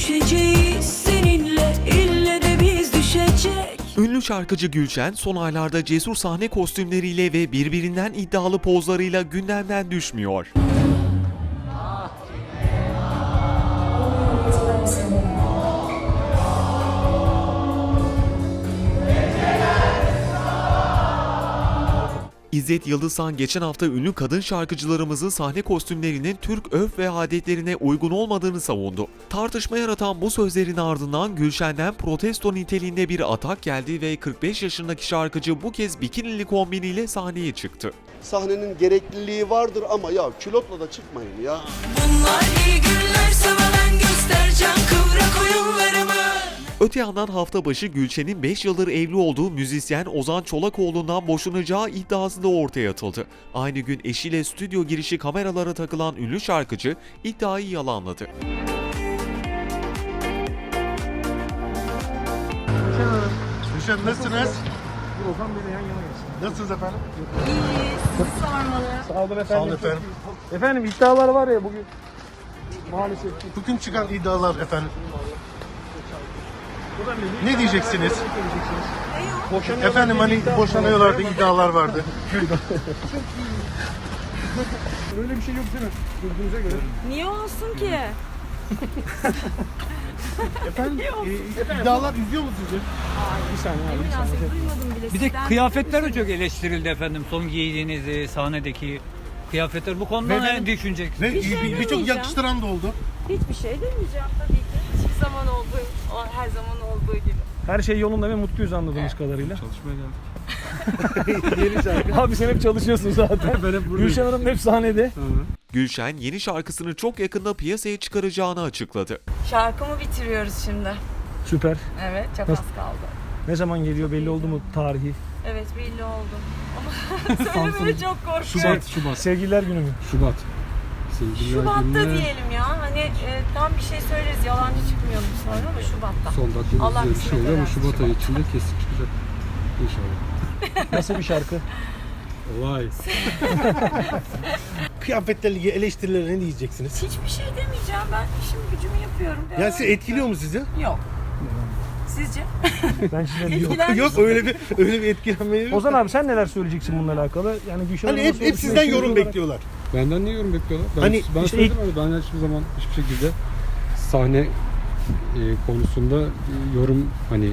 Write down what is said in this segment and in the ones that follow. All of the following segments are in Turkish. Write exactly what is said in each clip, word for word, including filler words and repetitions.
düşeceğiz seninle, ille de biz düşecek. Ünlü şarkıcı Gülşen son aylarda cesur sahne kostümleriyle ve birbirinden iddialı pozlarıyla gündemden düşmüyor. İzzet Yıldızhan geçen hafta ünlü kadın şarkıcılarımızın sahne kostümlerinin Türk örf ve adetlerine uygun olmadığını savundu. Tartışma yaratan bu sözlerin ardından Gülşen'den protesto niteliğinde bir atak geldi ve kırk beş yaşındaki şarkıcı bu kez bikinili kombiniyle sahneye çıktı. Sahnenin gerekliliği vardır ama ya külotla da çıkmayın ya. Bunlar iyi günler, sana ben göstereceğim kıvrak oyunlarımı. Öte yandan hafta başı Gülşen'in beş yıldır evli olduğu müzisyen Ozan Çolakoğlu'ndan boşanacağı iddiası da ortaya atıldı. Aynı gün eşiyle stüdyo girişi kameralara takılan ünlü şarkıcı iddiayı yalanladı. Gülşen nasılsınız? Ozan Bey'le yan yana gelsin. Nasılsınız efendim? İyi, sizi sormalı. Sağ olun efendim. Sağ olun efendim. Efendim iddialar var ya bugün. Maalesef. Bugün çıkan iddialar efendim. Ozan Bey, Ne diyeceksiniz? Boşanıyorlar Efendim diye hani iddia- boşanıyorlardı, iddialar vardı. Öyle bir şey yok değil mi? Gördüğünüze göre. Niye olsun ki? Efendim, e, efendim İddialar üzüyor mu sizi? bir saniye abi. Ne Bir saniye. münasebet, duymadım bile. Bir de Sizden kıyafetler de duymuştum. çok eleştirildi efendim. Son giydiğiniz e, sahnedeki kıyafetler. Bu konuda Ve- ne düşüneceksiniz? Ve Bir şey bir- birçok demeyeceğim. yakıştıran da oldu. Hiçbir şey demeyeceğim tabii ki. Hiçbir zaman olduğu, o her zaman olduğu gibi. Her şey yolunda ve mutluyuz anladığımız kadarıyla. Çalışmaya geldik. Yeni şarkı. Abi sen hep çalışıyorsun zaten. Ben hep buradayım. Gülşen Hanım hep sahnede. Gülşen yeni şarkısını çok yakında piyasaya çıkaracağını açıkladı. Şarkımı bitiriyoruz şimdi. Süper. Evet, çok Nasıl? az kaldı. Ne zaman geliyor belli oldu mu tarihi? Evet, belli oldu. Ama söylemeye çok korkuyorum. Şubat, Şubat. Sevgililer günü mü? Şubat. Sevgililer Şubat'ta gününe diyelim ya. Hani e, tam bir şey söyleriz, yalancı çıkmayalım sonra ama Şubat'ta. son dakika Allah bir şey kısmet oluyor ama ederse Şubat ayı Şubat. içinde kesin çıkacak. İnşallah. Nasıl bir şarkı? Vay. Kıyafetlerle ilgili eleştirilere ne diyeceksiniz? Hiçbir şey demeyeceğim. Ben işim gücümü yapıyorum. Yani sizi etkiliyor mu sizi? Yok. Sizce? Ben size yok. Etkilenmiş. Yok öyle bir öyle bir etkilenme yok. Ozan abi sen neler söyleyeceksin bununla alakalı? Yani Gülşen Hani Hanım'ın hep, hep sorusuna sizden ikimiz yorum olarak- bekliyorlar. Benden ne yorum bekliyorlar? Ben, Hani ben işte söyledim abi. Ben hiçbir zaman hiçbir şekilde sahne e, konusunda e, yorum hani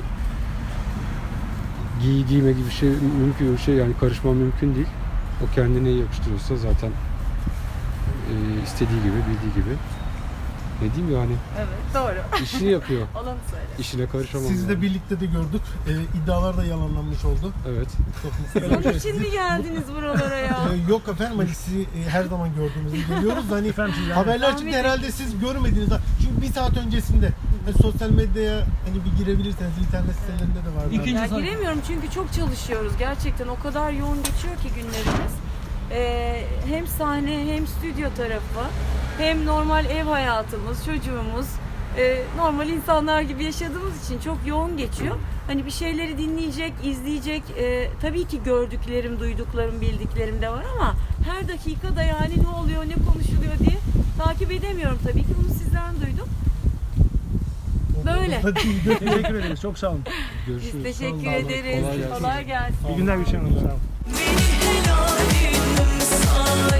giy giyme gibi bir şey mümkün bir şey yani karışmam mümkün değil. O kendine yakıştırıyorsa zaten e, istediği gibi bildiği gibi. Ne diyeyim yani Evet, doğru. işini yapıyor. Olanı söyle. İşine karışamam. Sizi de yani. birlikte de gördük. Ee, iddialar da yalanlanmış oldu. Evet. Çok mutlu Onun için mi geldiniz buralara ya? Ee, yok efendim hani sizi e, her zaman gördüğümüzde geliyoruz. Hani Efendim siz yani- haberler çıktı herhalde siz görmediniz. Çünkü bir saat öncesinde hani sosyal medyaya hani bir girebilirseniz internet sitelerinde de var. İkinci Ya sahne. giremiyorum çünkü çok çalışıyoruz. Gerçekten o kadar yoğun geçiyor ki günlerimiz. Ee, hem sahne hem stüdyo tarafı hem normal ev hayatımız, çocuğumuz e, normal insanlar gibi yaşadığımız için çok yoğun geçiyor. Hani bir şeyleri dinleyecek, izleyecek e, tabii ki gördüklerim, duyduklarım, bildiklerim de var ama her dakika da yani ne oluyor, ne konuşuluyor diye takip edemiyorum tabii ki. Bunu sizden duydum. Böyle. Teşekkür ederiz. Çok sağ olun. Görüşürüz. Biz teşekkür Sağ olun. ederiz. Kolay gelsin. Kolay gelsin. İyi günler Gülşen Hanım. Sağ olun. Beni helalim say.